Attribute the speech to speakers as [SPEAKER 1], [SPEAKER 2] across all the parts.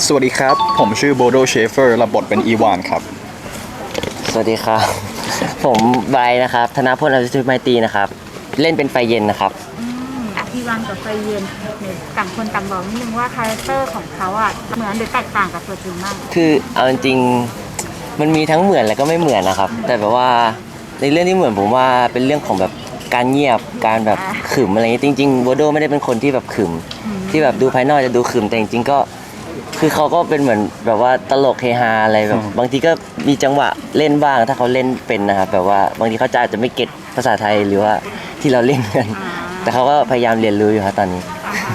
[SPEAKER 1] สวัสดีครับผมชื่อโบโดเชฟเฟอร์รับบทเป็นอีวานครับ
[SPEAKER 2] สวัสดีครับผมไบร์ทนะครับธนพลอภิสิทธิ์ไมตรีนะครับเล่นเป็นไฟเย็นนะครับ
[SPEAKER 3] อีวานกับไฟเย็นต่างคนต่างบอกนิดนึงว่าคาแรคเตอร์ของเขาอ่ะเหมือนหรือแตกต่างกับตัวจริงมาก
[SPEAKER 2] คือเอาจริงมันมีทั้งเหมือนและก็ไม่เหมือนนะครับแต่แบบว่าในเรื่องที่เหมือนผมว่าเป็นเรื่องของแบบการเงียบการแบบขึมอะไรเงี้ยจริงๆโบโดไม่ได้เป็นคนที่แบบขึมที่แบบดูภายนอกจะดูขึมแต่จริงๆก็คือเขาก็เป็นเหมือนแบบว่าตลกเฮฮาอะไรแบบบางทีก็มีจังหวะเล่นบ้างถ้าเขาเล่นเป็นนะครับแบบว่าบางทีเขาจะไม่เก็ตภาษาไทยหรือว่าที่เราเล่นกันแต่เขาก็พยายามเรียนรู้อยู่ครับตอนนี้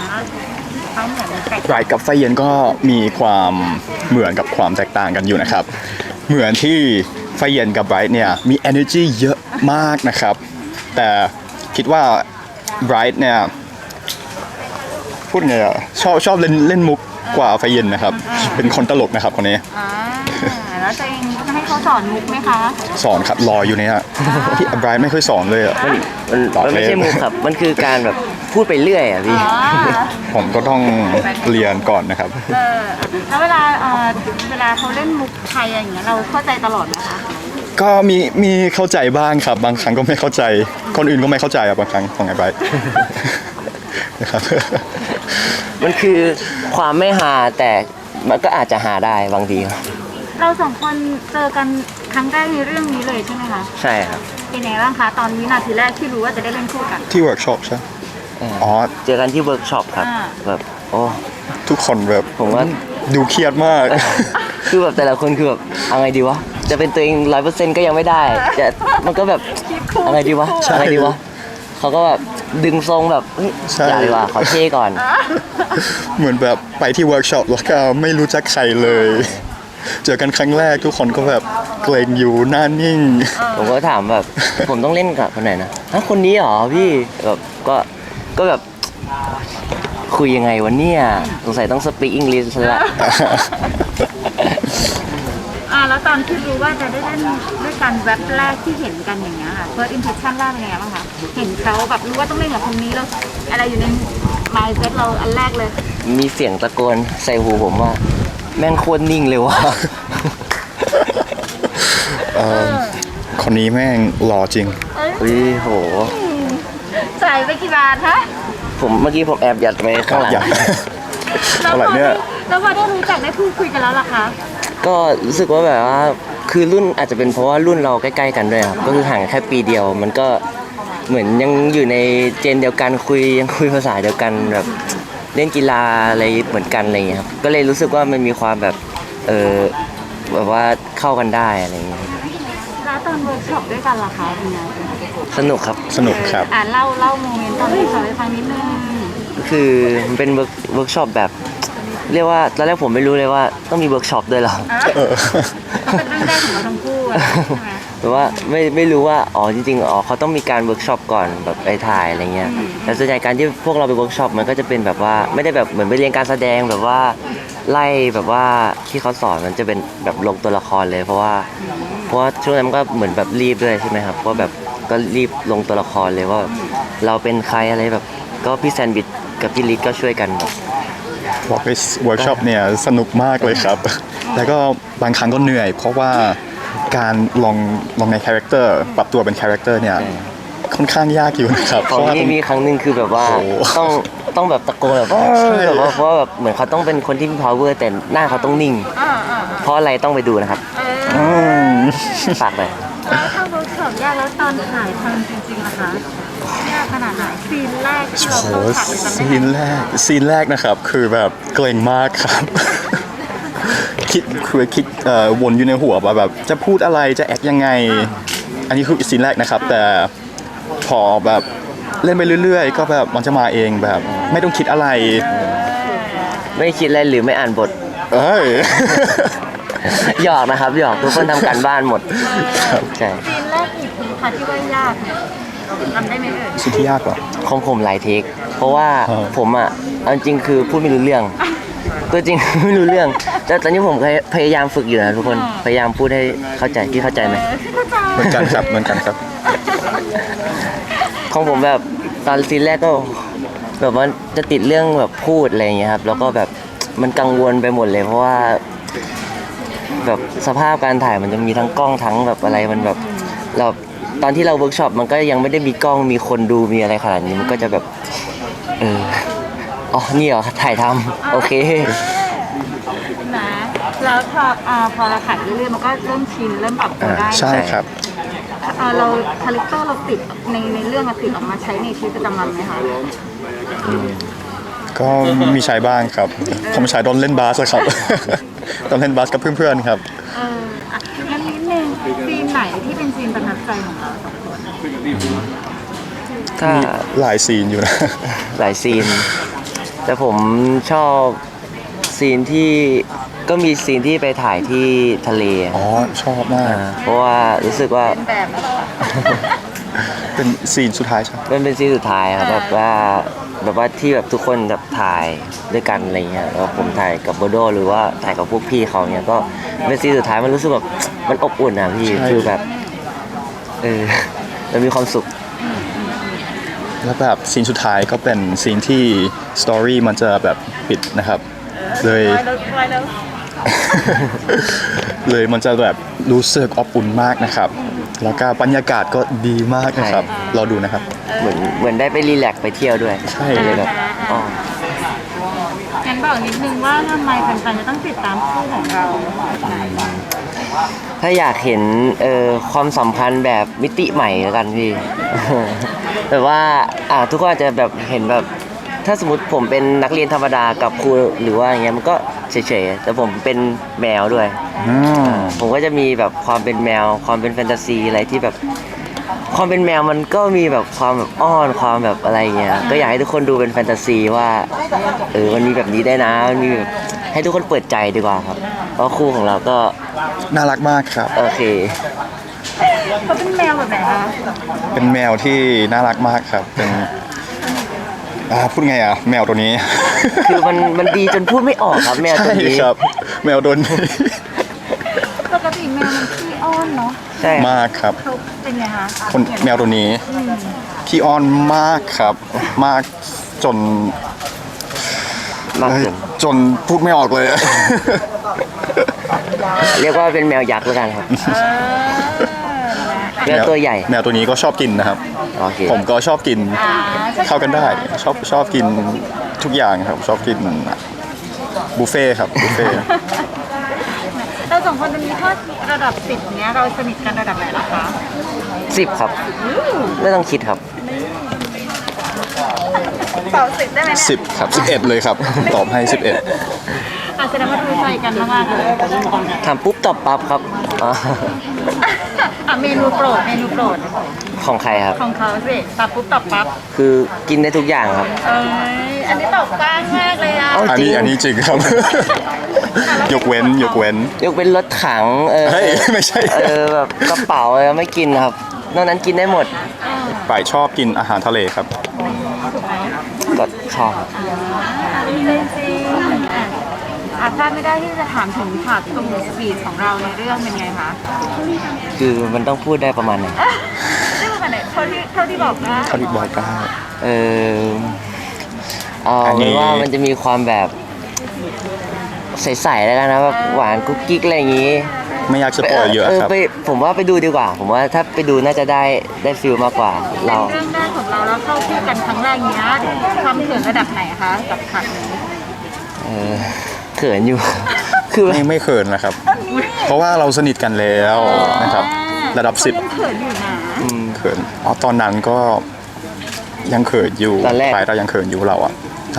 [SPEAKER 1] ไรกับไฟเย็นก็มีความเหมือนกับความแตกต่างกันอยู่นะครับเหมือนที่ไฟเย็นกับไบรท์เนี่ยมี energy เยอะมากนะครับแต่คิดว่าไบรท์เนี่ยพูดไงอะชอบเล่นมุกกว่าไฟเย็นนะครับเป็นคนตลกนะครับคนนี้
[SPEAKER 3] แล้วตัวเองให้เขาสอนมุกไหมคะ
[SPEAKER 1] สอนครับรออยู่เนี่ยพี่ไบรท์ไม่ค่อยสอนเลยอ่ะ
[SPEAKER 2] มันไม่ใช่มุกครับมันคือการแบบพูดไปเรื่อยอ่ะพี่
[SPEAKER 1] ผมก็ต้องเรียนก่อนนะครับ
[SPEAKER 3] แล้วเวลาเขาเล่นมุกไทยอย่างเงี้ยเราเข้าใจตลอดไหมคะ
[SPEAKER 1] ก็มีเข้าใจบ้างครับบางครั้งก็ไม่เข้าใจคนอื่นก็ไม่เข้าใจอ่ะบางครั้งของไอ้ไบรท์นะครับ
[SPEAKER 2] มันคือความไม่หาแต่มันก็อาจจะหาได้บางที
[SPEAKER 3] เราสองคนเจอกันครั้งแรกในเรื่องนี้เลยใช่ไหมคะ
[SPEAKER 2] ใช่ครับ
[SPEAKER 3] เป็นไงบ้างคะตอนวินาทีแรกที่รู้ว่าจะได้เล่นคู่กัน
[SPEAKER 1] ที่เวิร์กช็อปใช่
[SPEAKER 2] อ๋อเจอกันที่เวิร์กช็อปครับแบบโอ้
[SPEAKER 1] ทุกคนแบบ
[SPEAKER 2] ผมว่า
[SPEAKER 1] ดูเครียดมาก
[SPEAKER 2] คือแบบแต่ละคนคือแบบเอาไงดีวะจะเป็นตัวเอง100%ก็ยังไม่ได้จะมันก็แบบเอาไงดีวะเอาไงดีวะเขาก็แบบดึงทรงแบบอย่าดีกว่าขอเท่ก่อน
[SPEAKER 1] เหมือนแบบไปที่เวิร์กช็อปแล้วก็ไม่รู้จักใครเลยเจอกันครั้งแรกทุกคนก็แบบเกรงอยู่หน้านิ่ง
[SPEAKER 2] ผมก็ถามแบบผมต้องเล่นกับคนไหนนะคนนี้เหรอพี่แบบก็แบบคุยยังไงวะเนี่ยสงสัยต้องสปีกอังกฤษซะละ
[SPEAKER 3] แล้วตอนที่รู้ว่าจะได้เล่นด้วยกันแว็บแรกที่เห็นกันอย่างเงี้ยค่ะ first impression แรกเป็นไงบ้างคะเห็นเขาแบบรู้ว่าต้องเล่นกับคนนี้แล้วอะไรอยู่ใน mindset เราอันแรกเลย
[SPEAKER 2] มีเสียงตะโกนใส่หูผมว่าแม่งโคตรนิ่งเลยว่ะ
[SPEAKER 1] คนนี้แม่งหล่อจริง
[SPEAKER 2] โห
[SPEAKER 3] ใส่ไปกี่บาทฮะ
[SPEAKER 2] เมื่อกี้ผมแอบยัดไปข้างหลัง
[SPEAKER 1] อะไรเนี่ย
[SPEAKER 3] แล้วพอได้รู้จักได้พูดคุยกันแล้วล่ะคะ
[SPEAKER 2] ก็รู้สึกว่าแบบว่าคือรุ่นอาจจะเป็นเพราะว่ารุ่นเราใกล้ๆกันด้วยครับก็คือห่างแค่ปีเดียวมันก็เหมือนยังอยู่ในเจนเดียวกันยังคุยภาษาเดียวกันแบบเล่นกีฬาอะไรเหมือนกันอะไรอย่างเงี้ยครับก็เลยรู้สึกว่ามันมีความแบบแบบว่าเข้ากันได้อะไรอย่างเงี้ย
[SPEAKER 3] แล้วตอนเวิร์กช็อปด้วยกันล่ะคะเป็นไง
[SPEAKER 2] สนุกครับ
[SPEAKER 1] สนุกครับ
[SPEAKER 3] เล่าโมเมนต์ตอนเวิร์กช็อปให้ฟังนิดนึง
[SPEAKER 2] คือมันเป็นเวิร์กช็อปแบบเรียกว่าตอนแรกผมไม่รู้เลยว่าต้องมีเวิร์กช็อปด้วยหรอ
[SPEAKER 3] เป็นเรื่องแรกของเราทั้งคู่ใช่ไหม
[SPEAKER 2] แต่ว่าไม่รู้ว่าจริงๆเขาต้องมีการเวิร์กช็อปก่อนแบบไปถ่ายอะไรเงี้ยแต่ส่วนใหญ่การที่พวกเราไปเวิร์กช็อปมันก็จะเป็นแบบว่าไม่ได้แบบเหมือนไปเรียนการแสดงแบบว่าไล่แบบว่าที่เขาสอนมันจะเป็นแบบลงตัวละครเลยเพราะว่าช่วงนั้นมันก็เหมือนแบบรีบด้วยใช่ไหมครับก็แบบก็รีบลงตัวละครเลยว่าเราเป็นใครอะไรแบบก็พี่แซนด์วิชกับพี่ลิศก็ช่วยกัน
[SPEAKER 1] บอกไปเวิร์กช็อปเนี่ยสนุกมากเลยครับแล้วก็บางครั้งก็เหนื่อยเพราะว่าการลองในคาแรคเตอร์ปรับตัวเป็นคาแรคเตอร์เนี่ยค่อนข้างยากอยู่นะครับ
[SPEAKER 2] เพราะว่ามีครั้งหนึ่งคือแบบว่าต้องแบบตะโกนแบบว่าเพราะว่าแบบเหมือนเขาต้องเป็นคนที่มี power แต่หน้าเขาต้องนิ่งเพราะอะไรต้องไปดูนะครับฝากเลย
[SPEAKER 3] แล้วถ้าเวิร์กช็อปยากแล้วตอนถ่ายทำจริงๆนะคะยากขนาดไหนซีนแรกที่เราต้องถ่าย
[SPEAKER 1] ซีนแรกนะครับคือแบบเกรงมากครับคิดวนอยู่ในหัวว่าแบบจะพูดอะไรจะแอคยังไงอันนี้คือซีนแรกนะครับแต่พอแบบเล่นไปเรื่อยๆก็แบบมันจะมาเองแบบไม่ต้องคิดอะไร
[SPEAKER 2] ไม่คิดอะไรหรือไม่อ่านบทหยอกนะครับหยอกทุกคนทำการบ้านหมด
[SPEAKER 3] ใช่ซีนแรกอีกทีค่ะที่ว่ายากทำได้ไหม
[SPEAKER 1] ซีนที่ยากเหรอ
[SPEAKER 2] ของผมหลายเทคเพราะว่าผมจริงคือพูดไม่รู้เรื่องตัวจริงไม่รู้เรื่องแต่ตอนนี้ผมพยายามฝึกอยู่นะทุกคนพยายามพูดให้เข้าใจพี่เข้าใจไหม
[SPEAKER 1] เหมือนกันครับ
[SPEAKER 2] ของผมแบบตอนซีนแรกก็แบบว่าจะติดเรื่องแบบพูดอะไรอย่างเงี้ยครับแล้วก็แบบมันกังวลไปหมดเลยเพราะว่าแบบสภาพการถ่ายมันจะมีทั้งกล้องทั้งแบบอะไรมันแบบเราตอนที่เราเวิร์กช็อปมันก็ยังไม่ได้มีกล้องมีคนดูมีอะไรขนาดนี้มันก็จะแบบอ๋อนี่เหรอถ่ายทำโอเค
[SPEAKER 3] นะแล้วพอเราถ่ายเรื่อยๆมันก็เริ่มชินเริ่มปรับตัวได้
[SPEAKER 1] ใช่ครับ
[SPEAKER 3] เราคาแรคเตอร์เราติดในเรื่องเราติดออกมาใช้ในชีวิตประจำวันไหมคะ
[SPEAKER 1] ก็มีใช้บ้างครับ ผมใช้ตอนเล่นบาสอะครับ ตอนเล่นบาสกับเพื่อนๆครับ
[SPEAKER 3] งั้นนิดนึงซีนไหนที่เป็นซีนประทับใจของเราสองคน
[SPEAKER 2] ถ้า
[SPEAKER 1] มีหลายซีนอยู่นะ
[SPEAKER 2] หลายซีน แต่ผมชอบซีนที่ก็มีซีนที่ไปถ่ายที่ทะเล
[SPEAKER 1] อ๋อ ชอบมาก
[SPEAKER 2] เพราะว่ารู้สึกว่า
[SPEAKER 3] เป็นแบบแล้วเรา
[SPEAKER 1] เป็นซีนสุดท้ายใช่ไหม
[SPEAKER 2] มันเป็นซีนสุดท้ายครับแบบว่าที่แบบทุกคนแบบถ่ายด้วยกันอะไรเงี้ยแล้วผมถ่ายกับโบโดหรือว่าถ่ายกับพวกพี่เขาเนี้ยก็เป็นซีนสุดท้ายมันรู้สึกแบบมันอบอุ่นอ่ะพี่คือแบบมันมีความสุข
[SPEAKER 1] แล้วแบบซีนสุดท้ายก็เป็นซีนที่สตอรี่มันจะแบบปิดนะครับ เลย เลยมันจะแบบรู้สึกอบอุ่นมากนะครับ แล้วก็บรรยากาศก็ดีมากนะครับ เราดูนะครับ
[SPEAKER 2] เหมือนได้ไปรีแลกซ์ไปเที่ยวด้วย
[SPEAKER 1] ใช่
[SPEAKER 2] เลยแบบอ๋อ
[SPEAKER 3] งั้นบอกนิดนึงว่าทำไมแฟนๆจะต้องติดตามคู่ของเรา
[SPEAKER 2] ถ้าอยากเห็นความสัมพันธ์แบบมิติใหม่แล้วกันพี่ แบบว่าทุกคนอาจจะแบบเห็นแบบถ้าสมมติผมเป็นนักเรียนธรรมดากับครูหรือว่าอย่างเงี้ยมันก็เฉยๆแต่ผมเป็นแมวด้วย
[SPEAKER 1] อืม
[SPEAKER 2] ผมก็จะมีแบบความเป็นแมวความเป็นแฟนตาซีอะไรที่แบบความเป็นแมวมันก็มีแบบความแบบอ้อนความแบบอะไรเงี้ยก็อยากให้ทุกคนดูเป็นแฟนตาซีว่ามันมีแบบนี้ได้นะมันมีแบบให้ทุกคนเปิดใจดีกว่าครับเพราะคู่ของเราก็
[SPEAKER 1] น่ารักมากครับ
[SPEAKER 2] โอเค
[SPEAKER 3] เขาเป็นแมวแบบไหนคะ
[SPEAKER 1] เป็นแมวที่น่ารักมากครับ เป็นพูดไงอ่ะ แมวตัวนี้
[SPEAKER 2] คือมันดีจนพูดไม่ออกครับแมวตัวนี้
[SPEAKER 1] ใช่ครับ แมวตัวนี้
[SPEAKER 3] ปกติแมวมันขี้อ้อนเนาะ
[SPEAKER 2] ใช่
[SPEAKER 1] มากครับ
[SPEAKER 3] เขาเป็นไงคะ
[SPEAKER 1] คนแมวตัวนี้ขี้อ้อนมากครับ มากจน
[SPEAKER 2] มากเกิน
[SPEAKER 1] จนพูดไม่ออกเลย
[SPEAKER 2] เรียกว่าเป็นแมวยักษ์แล้วกันครับแมวตัวใหญ่
[SPEAKER 1] แมวตัวนี้ก็ชอบกินนะครับ
[SPEAKER 2] โอเค
[SPEAKER 1] ผมก็ชอบกินเข้ากันได้ ชอบกินทุกอย่างครับ ชอบกินบุฟเฟ่ต์ครับบุฟเฟ่ต์
[SPEAKER 3] เราสองคนจะมีข้อระดับ10เนี้ยเราสนิทกันระดับไหนล่ะคะ
[SPEAKER 2] 10 ครับ ไม่ต้องคิดครับ
[SPEAKER 3] เสา10ได้ไหมเนี่ย
[SPEAKER 1] 10 ครับ 11 เลยครับ ตอบให้ 11
[SPEAKER 3] แสดงว่าดูใจกันมากๆเลย
[SPEAKER 2] ทำปุ๊บตอบปั๊บครับอ๋อ
[SPEAKER 3] เมนูโปรด
[SPEAKER 2] ของใครครับ
[SPEAKER 3] ของเขาสิตับปุ๊บตับปั๊บ
[SPEAKER 2] คือกินได้ทุกอย่างครับ
[SPEAKER 3] อันนี้ตอบกว้างมากเลยอ่ะ
[SPEAKER 2] เอ้า
[SPEAKER 1] อันนี้จริงครับ ยกเว้น
[SPEAKER 2] ยกเป็นรถถัง
[SPEAKER 1] เฮ้ยไม่ใช่
[SPEAKER 2] แบบกระเป๋าไม่กินครับนอกนั้นกินได้หมด
[SPEAKER 1] ป่ายชอบกินอาหารทะเลครับ
[SPEAKER 2] ก็ชอบ
[SPEAKER 3] จริงพลาดไม่ได้ที่จะถามถึงฉากตรงสปีดของเราในเรื่องเป็นไงคะ
[SPEAKER 2] คือมันต้องพูดได้ประมาณไหน
[SPEAKER 3] ได้ประมาณไหนเท่าที่บอกนะ
[SPEAKER 1] เขาดิบอกได้
[SPEAKER 2] เอาเป็นว่ามันจะมีความแบบใสๆแล้วกันนะแบบหวานกุ๊กกิ๊กอะไรอย่างงี้
[SPEAKER 1] ไม่อยากจะปล่อยเยอะครับ
[SPEAKER 2] ผมว่าไปดูดีกว่า ผมว่าถ้าไปดูน่าจะได้ฟิลมากกว่า
[SPEAKER 3] เป็น
[SPEAKER 2] เรา
[SPEAKER 3] เรื่องแรกของเราแล้วเข้าคู่กันครั้งแรกเนี้ยความเขินระดับไหนคะกับฉากนี้
[SPEAKER 2] เขินอยู่ คือ
[SPEAKER 1] ไม่เขินนะครับ เพราะว่าเราสนิทกันแล้วนะครับ ระดับ
[SPEAKER 3] เขายังเขินอยู่นะ
[SPEAKER 1] 10 เขินตอนนั้นก็ยังเขินอยู่
[SPEAKER 2] ตอนแรก
[SPEAKER 1] ปลายเรายังเขินอยู่เราอ่ะใช่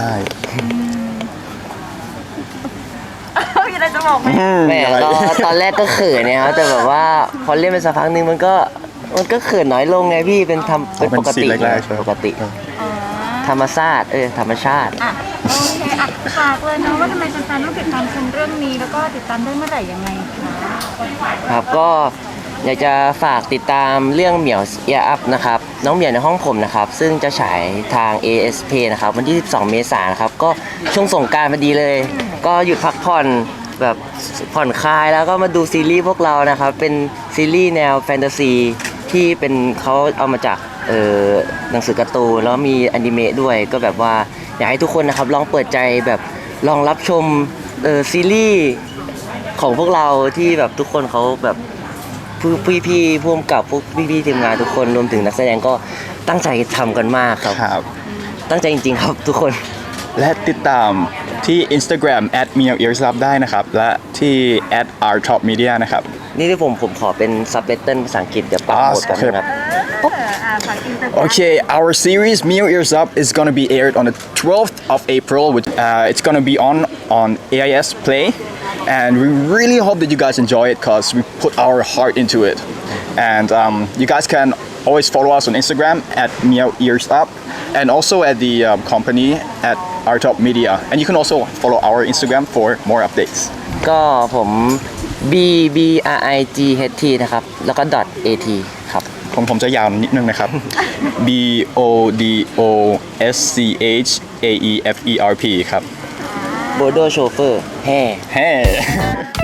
[SPEAKER 3] มีอะไรจะบอกไหม
[SPEAKER 2] แม่ก็ตอนแรกก็เขินเนี่ยครับแต่แบบว่าพอเล่นไปสักพักนึงมันก็เขินน้อยลงไงพี่เป็นปกติ
[SPEAKER 1] ซีนแรกๆใช่ไหม
[SPEAKER 2] ปกติ ธรรมชาติธรรมชาติ
[SPEAKER 3] โอเคฝากเลยนะว่าทำไมแฟนๆต้องติดตามชมเรื่องนี้แล้วก็ติดตามได้เมื่อไหร่ยังไงคะ
[SPEAKER 2] ครับก็อยากจะฝากติดตามเรื่องเหมียวเอียอัพนะครับน้องเหมียวในห้องผมนะครับซึ่งจะฉายทาง ASP นะครับวันที่ 12 เมษายนนะครับก็ช่วงสงกรานต์พอดีเลย ก็หยุดพักผ่อนแบบผ่อนคลายแล้วก็มาดูซีรีส์พวกเรานะครับเป็นซีรีส์แนวแฟนตาซีที่เป็นเขาเอามาจากหนังสือการ์ตูนแล้วมีอนิเมะด้วยก็แบบว่าอยากให้ทุกคนนะครับลองเปิดใจแบบลองรับชมซีรีส์ของพวกเราที่แบบทุกคนเขาแบบพี่ๆพ่วงกับพวกพี่ๆทีมงานทุกคนรวมถึงนักแสดงก็ตั้งใจทำกันมากครับ
[SPEAKER 1] ครับ
[SPEAKER 2] ตั้งใจจริงๆครับทุกคน
[SPEAKER 1] และติดตามที่ Instagram @meowearsup ได้นะครับ และที่ @rtopmedia นะครับ
[SPEAKER 2] นี่ที่ผมขอเป็นซับไตเติลภาษาอังกฤษเดี๋ยวปรับโหมดกันนะครับ
[SPEAKER 3] ฝากอินเตอร์
[SPEAKER 1] Okay, our series Mio Ears Up is going to be aired on the 12th of April. It's going to be on AIS Play, and we really hope that you guys enjoy it because we put our heart into it. And you guys can always follow us on Instagram @Mio Ears Up, and also at the company @Rtop Media. And you can also follow our Instagram for more updates.
[SPEAKER 2] ก็ผม BBRIGHT นะครับ แล้วก็ .at ครับ
[SPEAKER 1] ผมจะยาวนิดนึงนะครับ BODOSCHAEFERP ครับ
[SPEAKER 2] โบโดโชเฟอร์แฮ่
[SPEAKER 1] Hey